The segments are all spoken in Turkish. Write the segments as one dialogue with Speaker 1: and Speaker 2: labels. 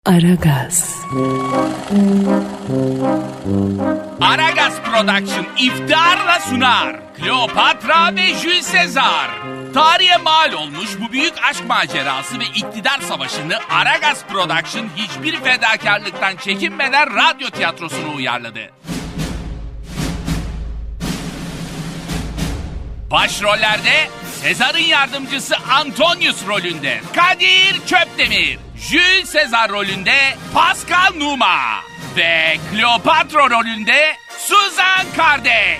Speaker 1: Aragaz.
Speaker 2: Aragaz Production iftiharla sunar. Kleopatra ve Jules Caesar. Tarihe mal olmuş bu büyük aşk macerası ve iktidar savaşını Aragaz Production hiçbir fedakarlıktan çekinmeden radyo tiyatrosuna uyarladı. Başrollerde Sezar'ın yardımcısı Antonius rolünde Kadir Çöpdemir, Jules Caesar rolünde Pascal Numa ve Kleopatra rolünde Suzan Kardeş.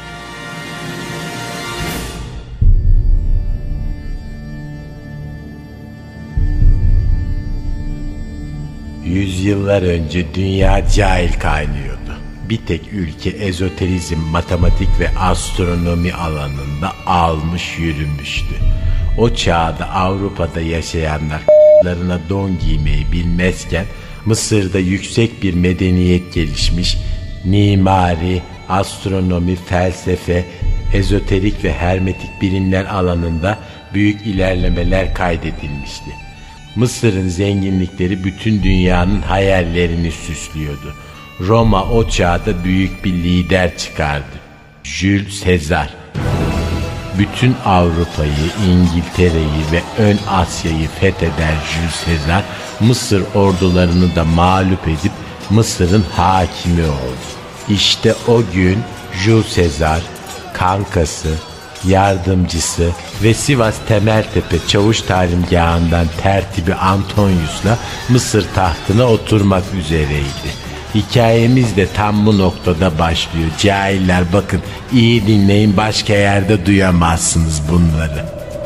Speaker 3: Yüzyıllar önce dünya cahil kaynıyordu. Bir tek ülke ezoterizm, matematik ve astronomi alanında almış yürümüştü. O çağda Avrupa'da yaşayanlar larına don giymeyi bilmezken Mısır'da yüksek bir medeniyet gelişmiş, mimari, astronomi, felsefe, ezoterik ve hermetik bilimler alanında büyük ilerlemeler kaydedilmişti. Mısır'ın zenginlikleri bütün dünyanın hayallerini süslüyordu. Roma o çağda büyük bir lider çıkardı. Jules Caesar. Bütün Avrupa'yı, İngiltere'yi ve ön Asya'yı fetheden Jules Caesar, Mısır ordularını da mağlup edip Mısır'ın hakimi oldu. İşte o gün Jules Caesar, kankası, yardımcısı ve Sivas Temeltepe Çavuş Talimgahı'ndan tertibi Antonius'la Mısır tahtına oturmak üzereydi. Hikayemiz de tam bu noktada başlıyor. Cahiller bakın, iyi dinleyin, başka yerde duyamazsınız bunları.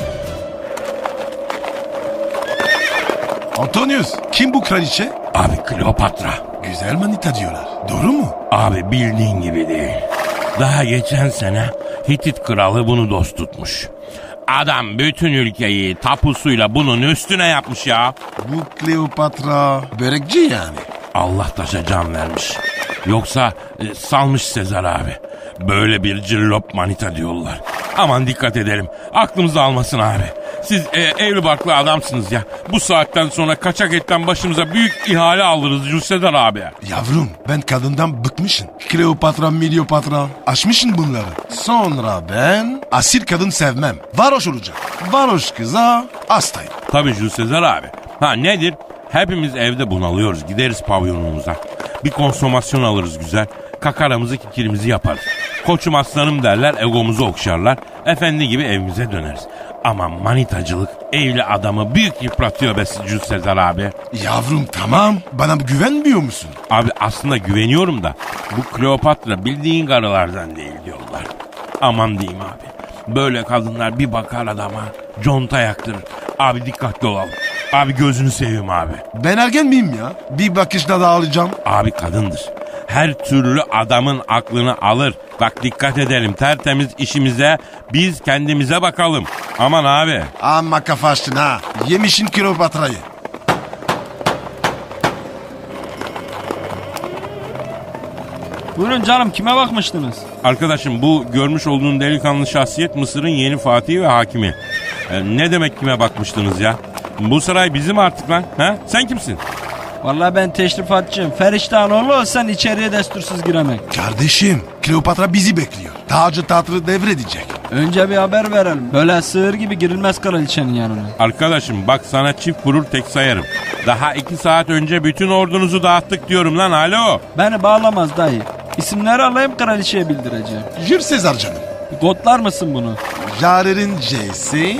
Speaker 4: Antonius, kim bu kraliçe?
Speaker 5: Abi Kleopatra.
Speaker 4: Güzel manita diyorlar. Doğru mu?
Speaker 5: Abi bildiğin gibi değil. Daha geçen sene Hitit kralı bunu dost tutmuş. Adam bütün ülkeyi tapusuyla bunun üstüne yapmış ya.
Speaker 4: Bu Kleopatra börekçi yani.
Speaker 5: Allah taşa can vermiş. Yoksa salmış Sezar abi. Böyle bir cillop manita diyorlar. Aman dikkat edelim. Aklımızı almasın abi. Siz evli barklı adamsınız ya. Bu saatten sonra kaçak etten başımıza büyük ihale alırız Jules abi.
Speaker 4: Yavrum, ben kadından bıkmışım. Kleopatra, Milyopatra. Aşmışım bunları. Sonra ben asil kadın sevmem. Varoş olacak. Varoş kıza hastayım.
Speaker 5: Tabii Jules abi. Ha nedir? Hepimiz evde bunalıyoruz. Gideriz pavyonumuza. Bir konsomasyon alırız güzel. Kakaramızı kikirimizi yaparız. Koçum aslanım derler, egomuzu okşarlar. Efendi gibi evimize döneriz. Ama manitacılık evli adamı büyük yıpratıyor be Jules abi.
Speaker 4: Yavrum tamam. Bana güvenmiyor musun?
Speaker 5: Abi aslında güveniyorum da bu Kleopatra bildiğin karılardan değil diyorlar. Aman diyeyim abi. Böyle kadınlar bir bakar adama conta yaktırır. Abi dikkatli olalım. Abi gözünü seveyim abi.
Speaker 4: Ben ergen miyim ya? Bir bakışla dağılacağım.
Speaker 5: Abi kadındır. Her türlü adamın aklını alır. Bak dikkat edelim, tertemiz işimize, biz kendimize bakalım. Aman abi.
Speaker 4: Amma kafa açtın ha. Yemişin Kleopatra'yı.
Speaker 6: Buyurun canım, kime bakmıştınız?
Speaker 5: Arkadaşım, bu görmüş olduğun delikanlı şahsiyet Mısır'ın yeni fatihi ve hakimi. Ne demek kime bakmıştınız ya? Bu saray bizim artık lan. Ha? Sen kimsin?
Speaker 6: Vallahi ben teşrifatçıyım. Feriştahanoğlu olsan içeriye destursuz giremek.
Speaker 4: Kardeşim, Kleopatra bizi bekliyor. Tacı tahtı devredecek.
Speaker 6: Önce bir haber verelim. Böyle sığır gibi girilmez kraliçenin yanına.
Speaker 5: Arkadaşım bak, sana çift vurur tek sayarım. Daha 2 saat önce bütün ordunuzu dağıttık diyorum lan, alo.
Speaker 6: Beni bağlamaz dayı. İsimleri alayım, kraliçeye bildireceğim.
Speaker 4: Jules Caesar canım.
Speaker 6: Kodlar mısın bunu?
Speaker 4: Jare'nin C'si.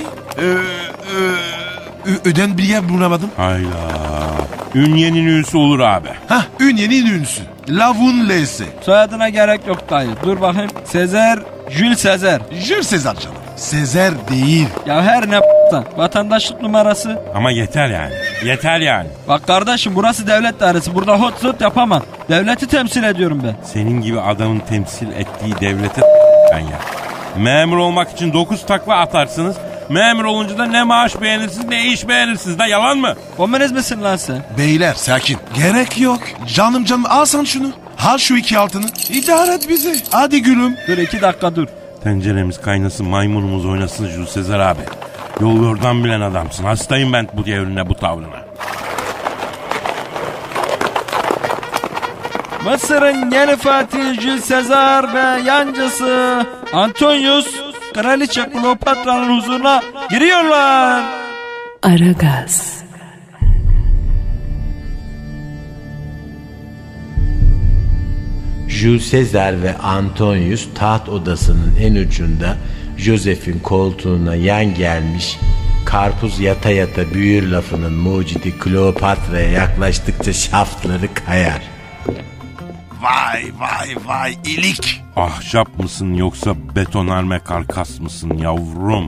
Speaker 4: Öden bir yer bulamadım.
Speaker 5: Hayda. Ünyenin üyesi olur abi.
Speaker 4: Hah, Ünye'nin ünlüsü. Lavun L'si.
Speaker 6: Soyadına gerek yok dayı. Dur bakayım. Sezer, Jules Sezer.
Speaker 4: Jules Caesar canım. Sezer değil.
Speaker 6: Ya her ne vatandaşlık numarası.
Speaker 5: Ama yeter yani. Yeter yani.
Speaker 6: Bak kardeşim, burası devlet dairesi. Burada hot zot yapamam. Devleti temsil ediyorum ben.
Speaker 5: Senin gibi adamın temsil ettiği devlete ben ya. Memur olmak için 9 takla atarsınız. Memur olunca da ne maaş beğenirsiniz ne iş beğenirsiniz da, yalan mı?
Speaker 6: Komünist misin lan sen?
Speaker 4: Beyler sakin. Gerek yok. Canım al sen şunu. Al şu 2 altını. İdare et bizi. Hadi gülüm.
Speaker 6: Dur 2 dakika dur.
Speaker 5: Tenceremiz kaynasın, maymunumuz oynasın Jules Caesar abi. Yol yordan bilen adamsın. Hastayım ben bu devrine, bu tavrına.
Speaker 6: Mısır'ın yeni Fatihi Jules Caesar ve yancısı Antonius Kraliçe Kleopatra'nın huzuruna giriyorlar.
Speaker 1: Aragaz.
Speaker 3: Jules Caesar ve Antonius taht odasının en ucunda Joseph'in koltuğuna yan gelmiş, karpuz yata yata büyür lafının mucidi Kleopatra'ya yaklaştıkça şaftları kayar.
Speaker 4: Vay vay vay ilik.
Speaker 5: Ahşap mısın yoksa betonarme karkas mısın yavrum?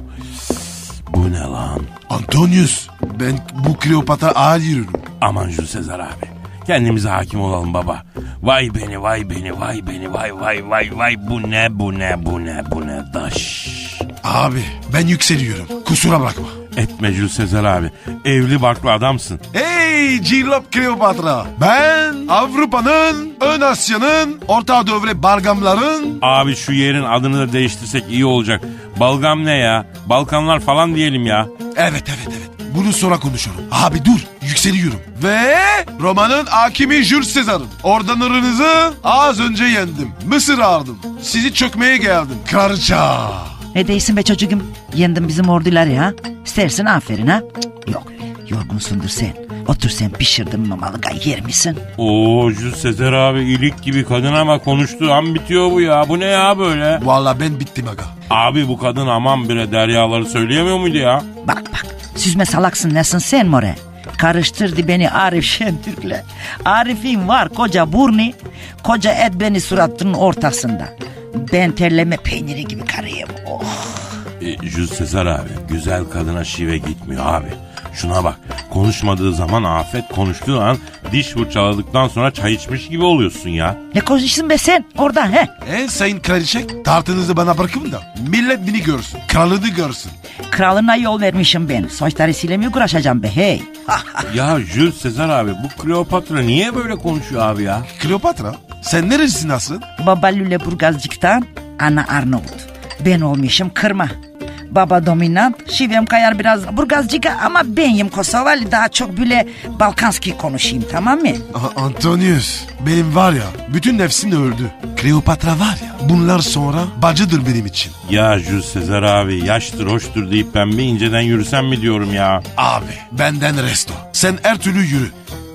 Speaker 5: Bu ne lan?
Speaker 4: Antonius, ben bu Kleopatra ağır yürürüm.
Speaker 5: Aman Jules Caesar abi. Kendimize hakim olalım baba. Vay beni vay beni vay beni vay vay vay vay bu ne bu ne bu ne bu ne daş.
Speaker 4: Abi ben yükseliyorum. Kusura bakma.
Speaker 5: Etme Jules Caesar abi. Evli barklı adamsın.
Speaker 4: Hey Cillop Kleopatra. Ben Avrupa'nın, Ön Asya'nın, Orta Doğu ve Balgamların...
Speaker 5: Abi şu yerin adını da değiştirsek iyi olacak. Balgam ne ya? Balkanlar falan diyelim ya.
Speaker 4: Evet. Bunu sonra konuşalım. Abi dur yükseliyorum. Ve Roma'nın hakimi Jules Caesar'ım. Ordanlarınızı az önce yendim. Mısır aldım. Sizi çökmeye geldim. Kraliça.
Speaker 7: Ne değilsin be çocuğum? Yendin bizim orduları ha? İstersin aferin ha? Cık, yok yorgunsundur sen. Otur sen pişirdim mamalı yer misin?
Speaker 5: Oo Jules Caesar abi ilik gibi kadın ama konuştuğu an bitiyor bu ya. Bu ne ya böyle?
Speaker 4: Vallahi ben bittim aga.
Speaker 5: Abi bu kadın aman bire deryaları söyleyemiyor muydu ya?
Speaker 7: Bak süzme salaksın nesin sen more? Karıştırdı beni Arif Şentürk'le. Arif'in var koca burnu, koca et beni suratının ortasında. Ben terleme peyniri gibi karıyım. Oh.
Speaker 5: Jules Caesar abi güzel kadına şive gitmiyor abi. Şuna bak konuşmadığı zaman afet, konuştuğu an diş fırçaladıktan sonra çay içmiş gibi oluyorsun ya.
Speaker 7: Ne konuşuyorsun be sen oradan he?
Speaker 4: Sayın kraliçe tartınızı bana bırakın da millet beni görsün. Kralını görsün.
Speaker 7: Kralına yol vermişim ben. Soytarısıyla mı uğraşacağım be hey?
Speaker 5: Ya Jules Caesar abi bu Kleopatra niye böyle konuşuyor abi ya?
Speaker 4: Kleopatra sen nerelisin asıl?
Speaker 7: Baba Lüleburgazcık'tan, ana Arnavut. Ben olmuşum kırma. Baba dominant, şivem kayar biraz Burgazcık'a ama benim Kosovalı daha çok böyle Balkanski konuşayım tamam mı?
Speaker 4: Antonius benim var ya bütün nefsim öldü. Kleopatra var ya bunlar sonra bacıdır benim için.
Speaker 5: Ya Jules Caesar abi yaştır hoştur deyip ben bir inceden yürüsem mi diyorum ya?
Speaker 4: Abi benden resto. Sen her türlü yürü.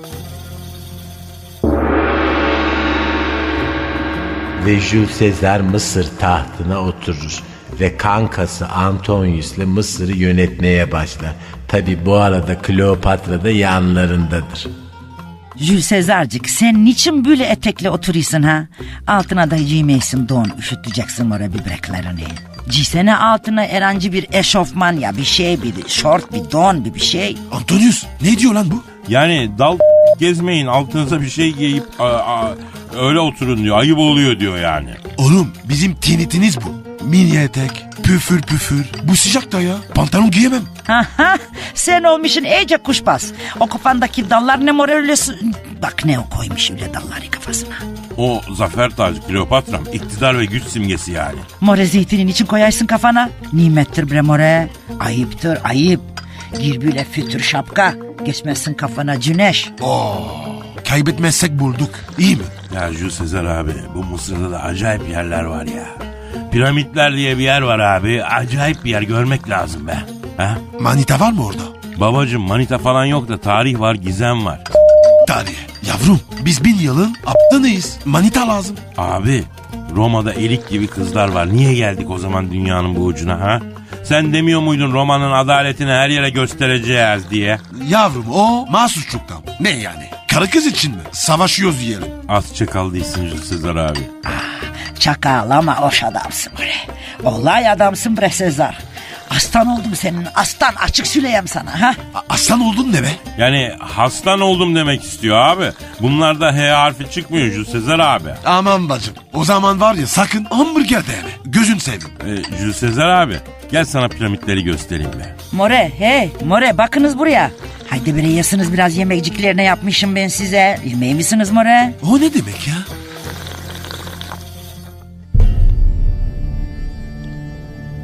Speaker 3: Ve Jules Caesar Mısır tahtına oturur ve kankası Antonius'le Mısır'ı yönetmeye başlar. Tabi bu arada Kleopatra da yanlarındadır.
Speaker 7: Jules Sezarcık sen niçin böyle etekle oturuyorsun ha? Altına da giymeysin don üşüteceksin oraya bibreklerini. Giysene altına herhangi bir eşofman ya bir şey bir şort bir don bir şey.
Speaker 4: Antonius ne diyor lan bu?
Speaker 5: Yani dal gezmeyin altınıza bir şey giyip öyle oturun diyor. Ayıp oluyor diyor yani.
Speaker 4: Oğlum bizim tinitiniz bu. Mini etek, püfür püfür. Bu sıcakta ya. Pantolon giyemem.
Speaker 7: Sen olmuşsun iyice kuşbaz. O kafandaki dallar ne moral öylesin. Bak ne o koymuş öyle dalları kafasına.
Speaker 5: O zafer tacı Kleopatram iktidar ve güç simgesi yani.
Speaker 7: More zeytinin için koyarsın kafana. Nimettir bre more. Ayıptır ayıp. Gir böyle fütür şapka. Geçmezsin kafana güneş.
Speaker 4: Kaybetmezsek bulduk. İyi mi?
Speaker 5: Ya Jules Caesar abi bu Mısır'da da acayip yerler var ya. Piramitler diye bir yer var abi. Acayip bir yer görmek lazım be. Ha?
Speaker 4: Manita var mı orada?
Speaker 5: Babacım manita falan yok da tarih var gizem var.
Speaker 4: Tarih. Yavrum biz 1000 yılın aptanıyız. Manita lazım.
Speaker 5: Abi Roma'da elik gibi kızlar var. Niye geldik o zaman dünyanın bu ucuna ha? Sen demiyor muydun Roma'nın adaletini her yere göstereceğiz diye?
Speaker 4: Yavrum o mahsusçuktan. Ne yani? Karı kız için mi? Savaşıyoruz diyelim.
Speaker 5: Az çakal değilsin Jules Caesar abi.
Speaker 7: Çakal ama hoş adamsın bre. Olay adamsın bre Sezar. Aslan oldum senin aslan açık söyleyeyim sana ha.
Speaker 4: Aslan oldun ne be?
Speaker 5: Yani hastan oldum demek istiyor abi. Bunlarda H harfi çıkmıyor Jules Caesar abi.
Speaker 4: Aman bacım. O zaman var ya sakın hamburger de yeme. Gözün seveyim.
Speaker 5: Jules Caesar abi gel sana piramitleri göstereyim be.
Speaker 7: More hey more bakınız buraya. Haydi bre yesiniz biraz yemekciklerine yapmışım ben size. Yemeği misiniz more?
Speaker 4: O ne demek ya?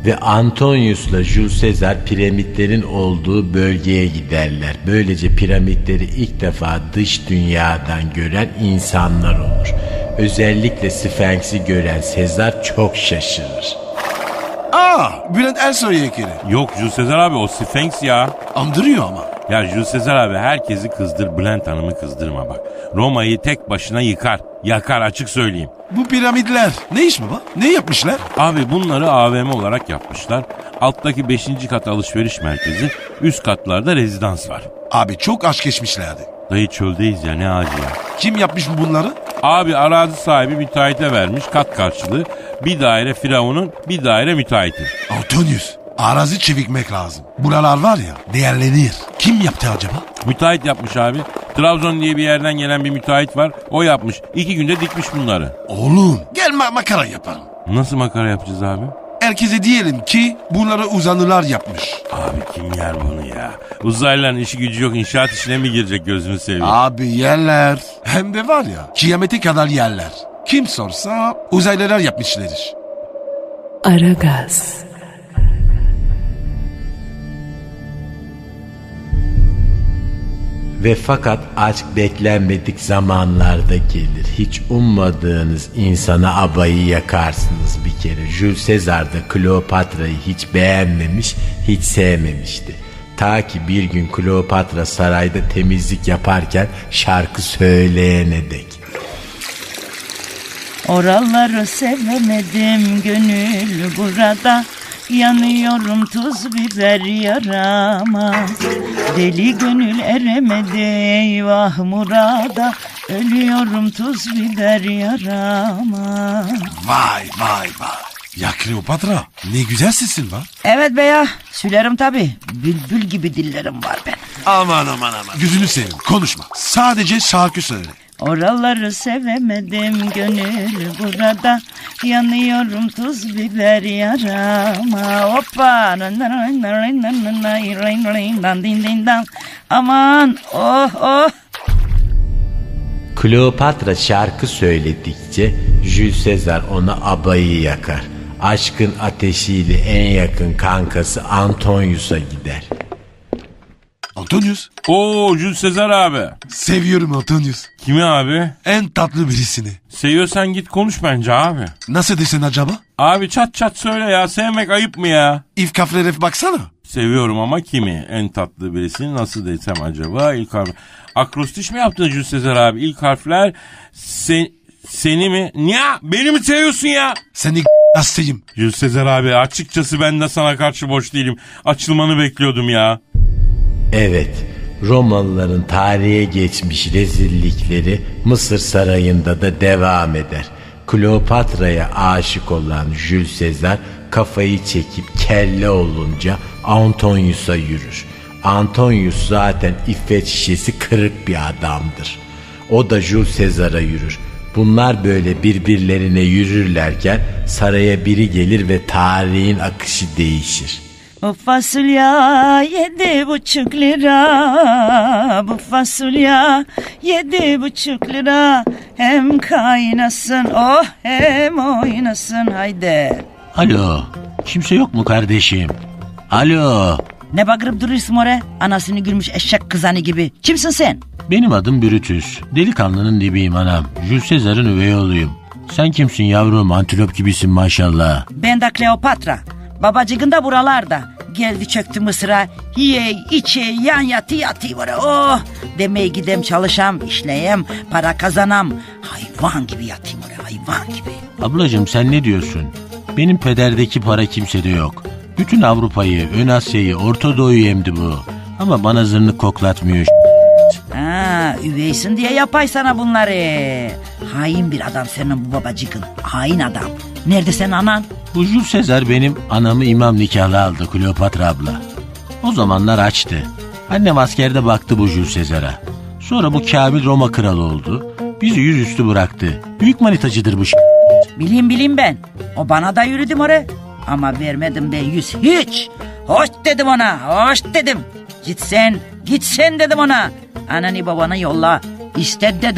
Speaker 3: Ve Antonius'la Jules Caesar piramitlerin olduğu bölgeye giderler. Böylece piramitleri ilk defa dış dünyadan gören insanlar olur. Özellikle Sphinx'i gören Sezar çok şaşırır.
Speaker 4: Bülent Ersoy heykeli.
Speaker 5: Yok Jules Caesar abi, o Sphinx ya.
Speaker 4: Andırıyor ama.
Speaker 5: Ya Jules Caesar abi, herkesi kızdır, Bülent Hanım'ı kızdırma bak. Roma'yı tek başına yıkar. Yakar, açık söyleyeyim.
Speaker 4: Bu piramitler ne iş baba? Ne yapmışlar?
Speaker 5: Abi bunları AVM olarak yapmışlar. Alttaki 5. kat alışveriş merkezi, üst katlarda rezidans var.
Speaker 4: Abi çok aşk geçmişlerdi.
Speaker 5: Dayı çöldeyiz ya, ne acı ya.
Speaker 4: Kim yapmış bunları?
Speaker 5: Abi arazi sahibi müteahhite vermiş kat karşılığı. Bir daire Firavun'un, bir daire müteahhitin.
Speaker 4: Antonius. Arazi çevikmek lazım. Buralar var ya değerlenir. Kim yaptı acaba?
Speaker 5: Müteahhit yapmış abi. Trabzon diye bir yerden gelen bir müteahhit var. O yapmış. 2 günde dikmiş bunları.
Speaker 4: Oğlum gel makara yapalım.
Speaker 5: Nasıl makara yapacağız abi?
Speaker 4: Herkese diyelim ki bunları uzanlılar yapmış.
Speaker 5: Abi kim yer bunu ya? Uzaylıların işi gücü yok, inşaat işine mi girecek, gözünü seveyim?
Speaker 4: Abi yerler. Hem de var ya kıyamete kadar yerler. Kim sorsa uzaylılar yapmışlardır.
Speaker 1: Aragaz.
Speaker 3: Ve fakat aşk beklenmedik zamanlarda gelir. Hiç ummadığınız insana abayı yakarsınız bir kere. Jules Caesar da Kleopatra'yı hiç beğenmemiş, hiç sevmemişti. Ta ki bir gün Kleopatra sarayda temizlik yaparken şarkı söyleyene dek.
Speaker 7: Oraları sevemedim gönül burada. Yanıyorum tuz biber yaramaz. Deli gönül eremedi eyvah murada. Ölüyorum tuz biber yaramaz.
Speaker 4: Vay vay vay. Ya Kleopatra ne güzel sesin var.
Speaker 7: Evet be ya, sülerim tabi. Bülbül gibi dillerim var benim.
Speaker 4: Aman. Gözünü seveyim konuşma. Sadece şarkı söyle.
Speaker 7: Oraları sevemedim gönül burada. Yanıyorum tuz biber yarama. Hoppa. Aman oh.
Speaker 3: Kleopatra şarkı söyledikçe Jules Caesar ona abayı yakar. Aşkın ateşiyle en yakın kankası Antonius'a gider.
Speaker 4: Antonius.
Speaker 5: Oo Jules Caesar abi.
Speaker 4: Seviyorum Antonius.
Speaker 5: Kimi abi?
Speaker 4: En tatlı birisini.
Speaker 5: Seviyorsan git konuş bence abi.
Speaker 4: Nasıl desen acaba?
Speaker 5: Abi çat çat söyle ya, sevmek ayıp mı ya?
Speaker 4: İlk kaflere baksana.
Speaker 5: Seviyorum ama kimi? En tatlı birisini nasıl desem acaba? İlk harf. Akrostiş mi yaptın Jules Caesar abi? İlk harfler seni mi? Niye? Beni mi seviyorsun ya?
Speaker 4: Seni hastayım.
Speaker 5: Jules Caesar abi, açıkçası ben de sana karşı boş değilim. Açılmanı bekliyordum ya.
Speaker 3: Evet, Romalıların tarihe geçmiş rezillikleri Mısır sarayında da devam eder. Kleopatra'ya aşık olan Jules Caesar kafayı çekip kelle olunca Antonius'a yürür. Antonius zaten iffet şişesi kırık bir adamdır. O da Jules Caesar'a yürür. Bunlar böyle birbirlerine yürürlerken saraya biri gelir ve tarihin akışı değişir.
Speaker 7: Bu fasulye 7,5 lira. Bu fasulye 7,5 lira. Hem kaynasın oh hem oynasın haydi.
Speaker 3: Alo, kimse yok mu kardeşim? Alo.
Speaker 7: Ne bakırıp duruyorsun oraya? Anasını gülmüş eşek kızanı gibi. Kimsin sen?
Speaker 3: Benim adım Brutus. Delikanlının dibiyim anam. Jules Caesar'ın üvey oğluyum. Sen kimsin yavrum? Antilop gibisin maşallah.
Speaker 7: Ben de Kleopatra. Babacığın da buralarda. Geldi çöktü Mısır'a. Yiye içe yan yatı var. Oh demeye gidem çalışam işleyem para kazanam. Hayvan gibi yatayım oraya hayvan gibi.
Speaker 3: Ablacığım sen ne diyorsun? Benim pederdeki para kimsede yok. Bütün Avrupa'yı, Ön Asya'yı, Orta Doğu'yu emdi bu. Ama bana zırnık koklatmıyor.
Speaker 7: Ha, üveysin diye yapay sana bunları. Hain bir adam senin bu babacığın. Hain adam. Nerede senin anan?
Speaker 3: Bu Jules Caesar benim anamı imam nikahlı aldı Kleopatra abla. O zamanlar açtı. Annem askerde baktı bu Jules Caesar'a. Sonra bu Kamil Roma kralı oldu. Bizi yüzüstü bıraktı. Büyük manitacıdır bu
Speaker 7: Bileyim ben. O bana da yürüdüm oraya. Ama vermedim ben yüz hiç. Hoş dedim ona, hoş dedim. Gitsen dedim ona. Ananı babanı yolla. İste dedim.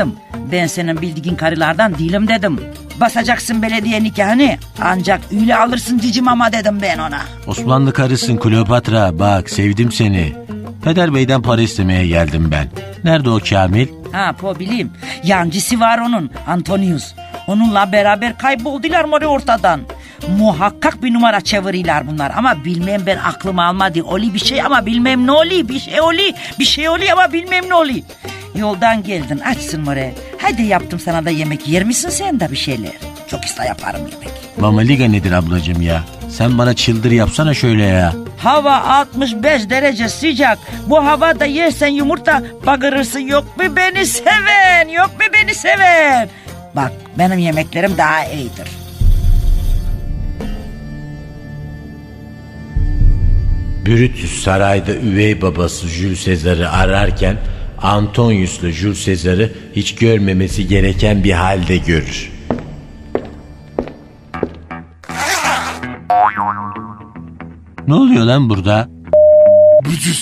Speaker 7: Ben senin bildiğin karılardan değilim dedim. Basacaksın belediye nikahını ancak öyle alırsın cicim ama dedim ben ona.
Speaker 3: Osmanlı karısın Kleopatra, bak sevdim seni. Peder Bey'den para istemeye geldim ben. Nerede o Kamil?
Speaker 7: Ha po bileyim. Yancısı var onun, Antonius. Onunla beraber kayboldular mı ortadan. Muhakkak bir numara çeviriyorlar bunlar ama bilmem, ben aklım almadı. Oli bir şey ama bilmem ne oli, bir şey oli ama bilmem ne oli. Yoldan geldin, açsın more. Hadi yaptım sana da yemek, yer misin sen de bir şeyler? Çok iste yaparım yemek.
Speaker 3: Mamaliga nedir ablacığım ya? Sen bana çıldır yapsana şöyle ya.
Speaker 7: Hava 65 derece sıcak. Bu havada yersen yumurta bagırırsın. Yok mu beni seven? Yok mu beni seven? Bak benim yemeklerim daha iyidir.
Speaker 3: Brutus sarayda üvey babası Jules Caesar'ı ararken Antonius'la Jules Caesar'ı hiç görmemesi gereken bir halde görür. Ne oluyor lan burada?
Speaker 4: Brutus.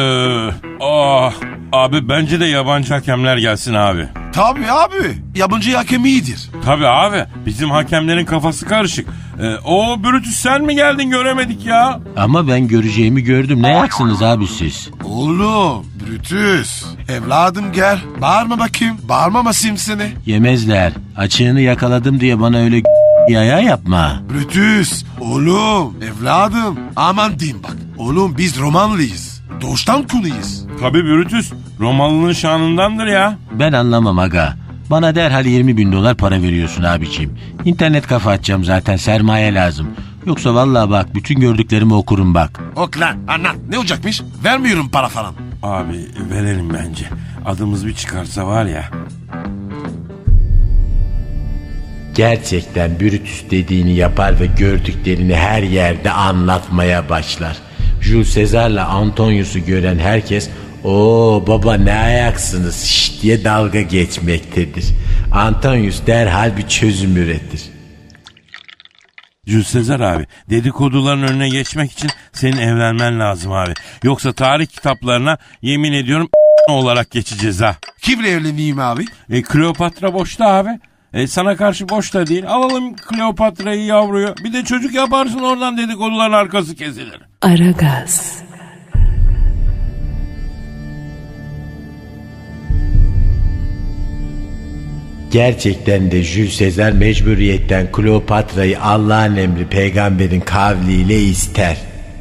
Speaker 5: Abi bence de yabancı hakemler gelsin abi.
Speaker 4: Tabii abi. Yabancı hakem iyidir.
Speaker 5: Tabii abi, bizim hakemlerin kafası karışık. O Brutus sen mi geldin, göremedik ya.
Speaker 3: Ama ben göreceğimi gördüm. Ne yaksınız abi siz?
Speaker 4: Oğlum Brutus. Evladım gel. Bağırma bakayım. Bağırmamasayım seni.
Speaker 3: Yemezler. Açığını yakaladım diye bana öyle yaya yapma.
Speaker 4: Brutus. Oğlum. Evladım. Aman diyeyim bak. Oğlum biz Romanlıyız. Doğuştan kunuyuz.
Speaker 5: Tabii Brutus Romalı'nın şanındandır ya.
Speaker 3: Ben anlamam aga. Bana derhal 20.000 dolar para veriyorsun abiciğim. İnternet kafa açacağım zaten, sermaye lazım. Yoksa vallahi bak bütün gördüklerimi okurum bak.
Speaker 4: Ok lan anlat. Ne olacakmış? Vermiyorum para falan.
Speaker 5: Abi verelim bence. Adımız bir çıkarsa var ya.
Speaker 3: Gerçekten Brutus dediğini yapar ve gördüklerini her yerde anlatmaya başlar. Jules Caesar'la Antonius'u gören herkes "Oo baba ne ayaksınız şşt" diye dalga geçmektedir. Antonius derhal bir çözüm üretir.
Speaker 5: Jules Caesar abi, dedikoduların önüne geçmek için senin evlenmen lazım abi. Yoksa tarih kitaplarına yemin ediyorum olarak geçeceğiz ha.
Speaker 4: Kimle evleneyim abi?
Speaker 5: Kleopatra boşta abi. Sana karşı boş da değil. Alalım Kleopatra'yı, yavruyu. Bir de çocuk yaparsın, oradan dedikoduların arkası kesilir.
Speaker 1: Aragaz.
Speaker 3: Gerçekten de Jules Caesar mecburiyetten Kleopatra'yı Allah'ın emri peygamberin kavliyle ister.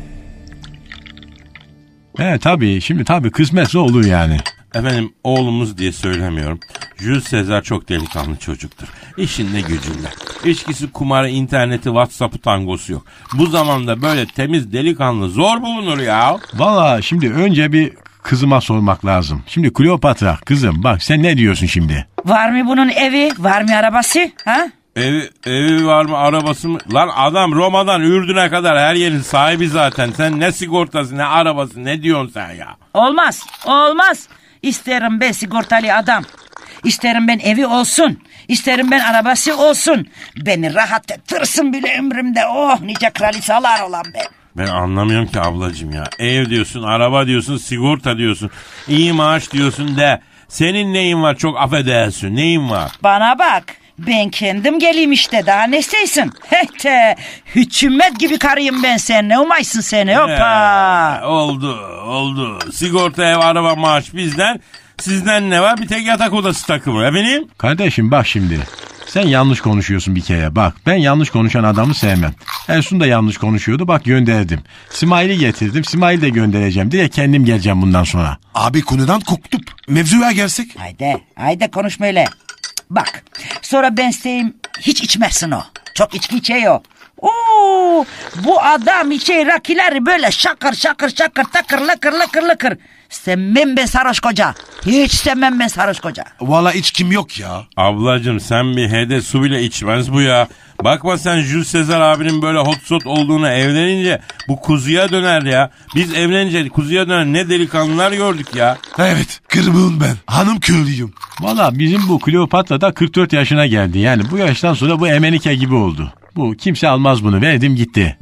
Speaker 8: Tabii şimdi kısmetse olur yani.
Speaker 5: Efendim oğlumuz diye söylemiyorum. Jules Caesar çok delikanlı çocuktur. İşinde gücünde. İçkisi, kumarı, interneti, WhatsApp'ı, tangosu yok. Bu zamanda böyle temiz delikanlı zor bulunur ya.
Speaker 8: Valla şimdi önce bir kızıma sormak lazım. Şimdi Kleopatra kızım bak sen ne diyorsun şimdi?
Speaker 7: Var mı bunun evi? Var mı arabası? Ha?
Speaker 5: Evi var mı, arabası mı? Lan adam Roma'dan Ürdün'e kadar her yerin sahibi zaten. Sen ne sigortası, ne arabası, ne diyorsun sen ya?
Speaker 7: Olmaz. İsterim ben sigortalı adam. İsterim ben evi olsun. İsterim ben arabası olsun. Beni rahat ettirsin bile ömrümde. Oh nice kraliçalar olan ben.
Speaker 5: Ben anlamıyorum ki ablacığım ya. Ev diyorsun, araba diyorsun, sigorta diyorsun, iyi maaş diyorsun de. Senin neyin var, çok affedersin, neyin var?
Speaker 7: Bana bak. Ben kendim geleyim işte, daha ne istesin? Hete hükümet gibi karıyım ben sen. Ne umaysın seni? Hoppa.
Speaker 5: Oldu. Sigorta, ev, araba, maaş bizden. Sizden ne var? Bir tek yatak odası takımı. Efendim?
Speaker 8: Kardeşim bak şimdi. Sen yanlış konuşuyorsun bir kere. Bak ben yanlış konuşan adamı sevmem. Ersun da yanlış konuşuyordu, bak gönderdim. Simail'i getirdim, Simail'i de göndereceğim. Direkt kendim geleceğim bundan sonra.
Speaker 4: Abi konudan koptuk. Mevzuya gelsek.
Speaker 7: Haydi konuşma öyle. Bak sonra ben isteyeyim hiç içmezsin o. Çok içki içiyor. Oo, bu adam içe rakileri böyle şakır takır lıkır. Sevmem ben sarhoş koca. Hiç sevmem ben sarhoş koca.
Speaker 4: Valla içkim yok ya.
Speaker 5: Ablacığım sen bir hede su bile içmez bu ya. Bakma sen Jules Caesar abinin böyle hot shot olduğunu, evlenince bu kuzuya döner ya. Biz evlenince kuzuya dönen ne delikanlılar gördük ya.
Speaker 4: Evet, kırmızım ben. Hanım köylüyüm.
Speaker 8: Valla bizim bu Kleopatra da 44 yaşına geldi. Yani bu yaştan sonra bu Emenike gibi oldu. Bu kimse almaz bunu, verdim gitti.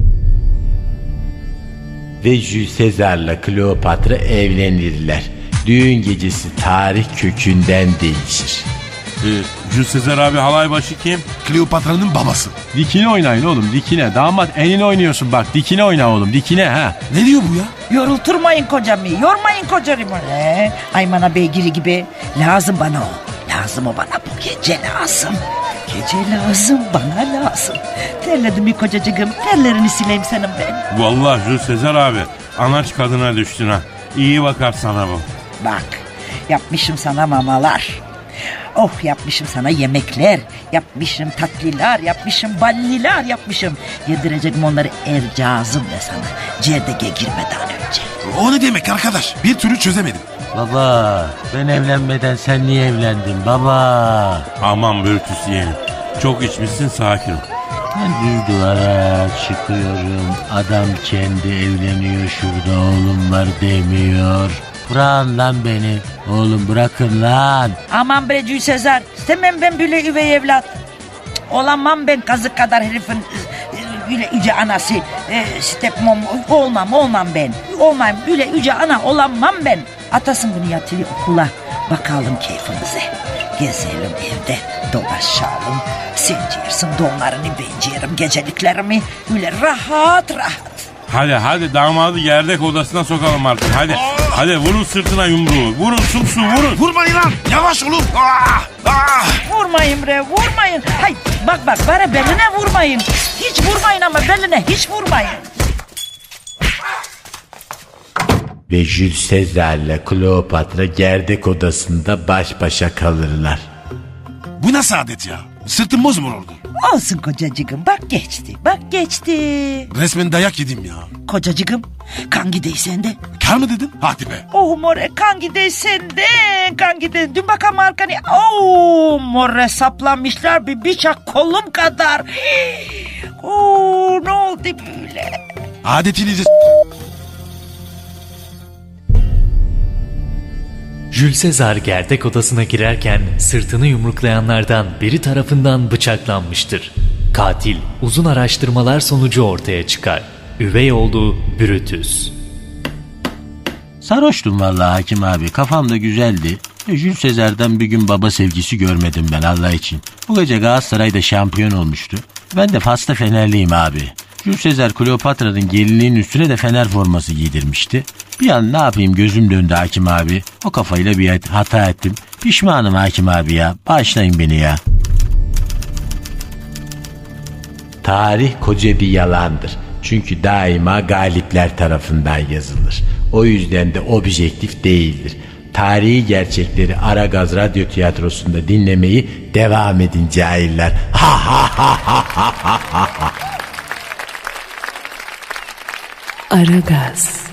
Speaker 3: Ve Jules Caesar'la Kleopatra evlenirler. Düğün gecesi tarih kökünden değişir.
Speaker 5: Jules Sezar abi halay başı kim?
Speaker 4: Kleopatra'nın babası.
Speaker 8: Dikine oynayın oğlum dikine. Damat elini oynuyorsun bak dikine oyna oğlum dikine ha.
Speaker 4: Ne diyor bu ya?
Speaker 7: Yorulturmayın kocamı, yormayın kocamı. Aymana beygiri gibi. Lazım bana o. Lazım o bana bu gece lazım. Gece lazım, bana lazım. Terledim bir kocacığım, terlerini sileyim senin ben.
Speaker 5: Vallahi Jules Sezar abi anaç kadına düştün ha. İyi bakar sana bu.
Speaker 7: Bak, yapmışım sana mamalar. Oh, yapmışım sana yemekler, yapmışım tatlılar, yapmışım balliler yapmışım. Yedireceğim onları ercazım da sana. Cerdege girmeden önce.
Speaker 4: O ne demek arkadaş? Bir türlü çözemedim.
Speaker 3: Baba ben evlenmeden sen niye evlendin baba?
Speaker 5: Aman Brutus yeğenim. Çok içmişsin sakin ol.
Speaker 3: Ben düz duvara çıkıyorum. Adam kendi evleniyor şurada oğlum var demiyor. Bırakın lan beni. Oğlum bırakın lan.
Speaker 7: Aman bre Jules Sezar, istemem ben böyle üvey evlat. Olamam ben kazık kadar herifin böyle yüce anası. Stepmom olmam ben. Olmam böyle yüce ana olamam ben. Atasın bunu yatırıyor okula. Bakalım keyfimize. Gezelim evde, dolaşalım. Sen yersin donlarını, ben yerim geceliklerimi. Böyle rahat rahat.
Speaker 5: Hadi damadı gerdek odasına sokalım artık hadi. Hadi vurun sırtına yumruğu. Vurun sumsu vurun.
Speaker 4: Vurmayın lan. Yavaş olun.
Speaker 7: Vurmayın bre, vurmayın. Hay bak bana beline vurmayın. Hiç vurmayın ama beline hiç vurmayın.
Speaker 3: Ve Jules Sezar'la Kleopatra gerdek odasında baş başa kalırlar.
Speaker 4: Bu nasıl adet ya? Sırtım bozmur oldu.
Speaker 7: Olsun kocacığım, bak geçti.
Speaker 4: Resmen dayak yedim ya.
Speaker 7: Kocacığım, kan gideyi sende.
Speaker 4: Kar mı dedin? Hadi be.
Speaker 7: Oh more, kan gideyi senden, kan gideyi. Dün bakalım arkana. Oh more, saplanmışlar bir bıçak kolum kadar. Oh ne oldu böyle?
Speaker 4: Adetinizi
Speaker 9: Jules Sezar gerdek odasına girerken sırtını yumruklayanlardan biri tarafından bıçaklanmıştır. Katil uzun araştırmalar sonucu ortaya çıkar. Üvey oğlu Brutus.
Speaker 3: Sarhoştum vallahi hakim abi. Kafam da güzeldi. Jules Sezar'dan bir gün baba sevgisi görmedim ben Allah için. Bu gece Galatasaray'da şampiyon olmuştu. Ben de Fas'ta Fenerliyim abi. Jules Sezar Kleopatra'nın gelinliğinin üstüne de Fener forması giydirmişti. Bir an ne yapayım gözüm döndü hakim abi. O kafayla bir hata ettim. Pişmanım hakim abi ya. Bağışlayın beni ya. Tarih koca bir yalandır. Çünkü daima galipler tarafından yazılır. O yüzden de objektif değildir. Tarihi gerçekleri Aragaz Radyo Tiyatrosu'nda dinlemeyi devam edin cahiller. Ha ha ha ha ha ha ha.
Speaker 1: Aragaz.